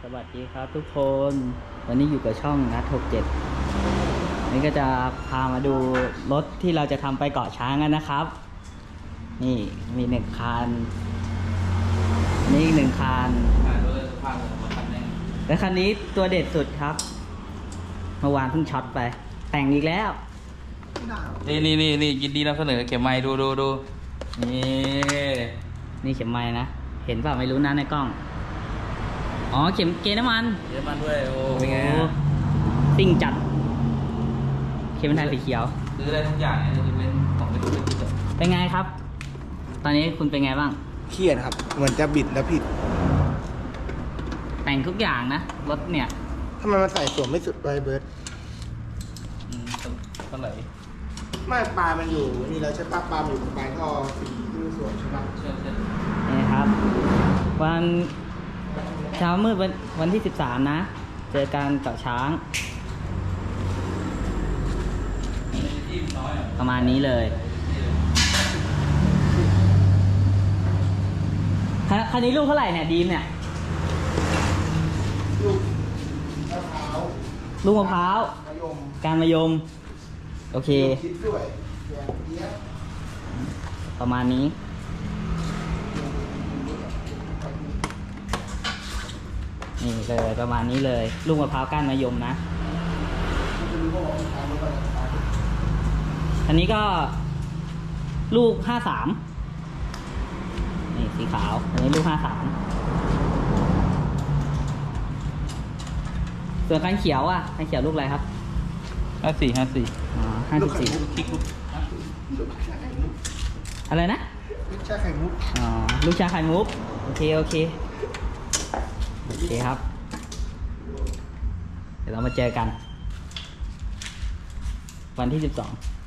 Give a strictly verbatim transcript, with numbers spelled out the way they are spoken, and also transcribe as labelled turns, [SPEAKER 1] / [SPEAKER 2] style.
[SPEAKER 1] สวัสดีครับทุกคนวันนี้อยู่กับช่องนัดหกเจ็ดนี่ก็จะพามาดูรถที่เราจะทำไปเกาะช้างกันนะครับ นี่มีหนึ่งคันนี่อีกหนึ่งคันและคันนี้ตัวเด็ดสุดครับเมื่อวานเพิ่งช็อตไป แต่งอีกแล้ว
[SPEAKER 2] นี่นี่นี่นี่ยินดีนำเสนอเข็มไม้ดูดูดูนี่
[SPEAKER 1] นี่เข็มไม้นะ เห็นเปล่าไม่รู้นะในกล้องอ๋อเข็มเกณฑ์น้ำมัน
[SPEAKER 2] เยอรมันด้วยโอ้เป็นไง
[SPEAKER 1] ซิ่งจัดเข็มไทยสีเขียว
[SPEAKER 2] ซื้อได้ทุกอย่างเนี่ยจะเป็นของไม่รู้เป็นที่แบบ
[SPEAKER 1] เป็นไงครับ ตอนนี้คุณเป็นไงบ้าง
[SPEAKER 3] เครียดครับเหมือนจะบิดแล้วผิด
[SPEAKER 1] แต่งทุกอย่างนะรถเนี่ย
[SPEAKER 3] ทำไมมันใส่สวมไม่สุดไวเบิร์ด
[SPEAKER 2] เท่าไหร่
[SPEAKER 3] ไม่ปลามันอยู่นี่แล้วใช่ปะปลาอยู่ตรงปลายท่อสีที่สวมใช่ปะ
[SPEAKER 2] เชื่อเชื่อ
[SPEAKER 1] นี่ครับวันเช้ามืดวันวันที่สิบสามนะเจอกันเกาะช้างประมาณนี้เลยคันนี้ลูกเท่าไหร่เนี่ยดีมเนี่ย
[SPEAKER 3] ลูกมะพร้าว
[SPEAKER 1] ลูกมะพร้าว
[SPEAKER 3] มะยม
[SPEAKER 1] การมะยมโอเค
[SPEAKER 3] คิดด้วยเนี้ย
[SPEAKER 1] ประมาณนี้นี่เลยประมาณนี้เลยลูกมะพร้าวก้านมะยมนะอันนี้ก็ลูกห้าสามนี่สีขาวอันนี้ลูกห้าสามส่วนคันเขียวอ่ะคันเขียวลูกอะไรครับ
[SPEAKER 2] ห้าสี่ห้าสี่
[SPEAKER 1] อ๋อห้าสิบสี่อะไรนะ
[SPEAKER 3] ลูกชาไข่มุก
[SPEAKER 1] อ๋อลูกชาไข่มุกโอเคโอเคโอเคครับเดี๋ยวเรามาเจอกันวันที่สิบสอง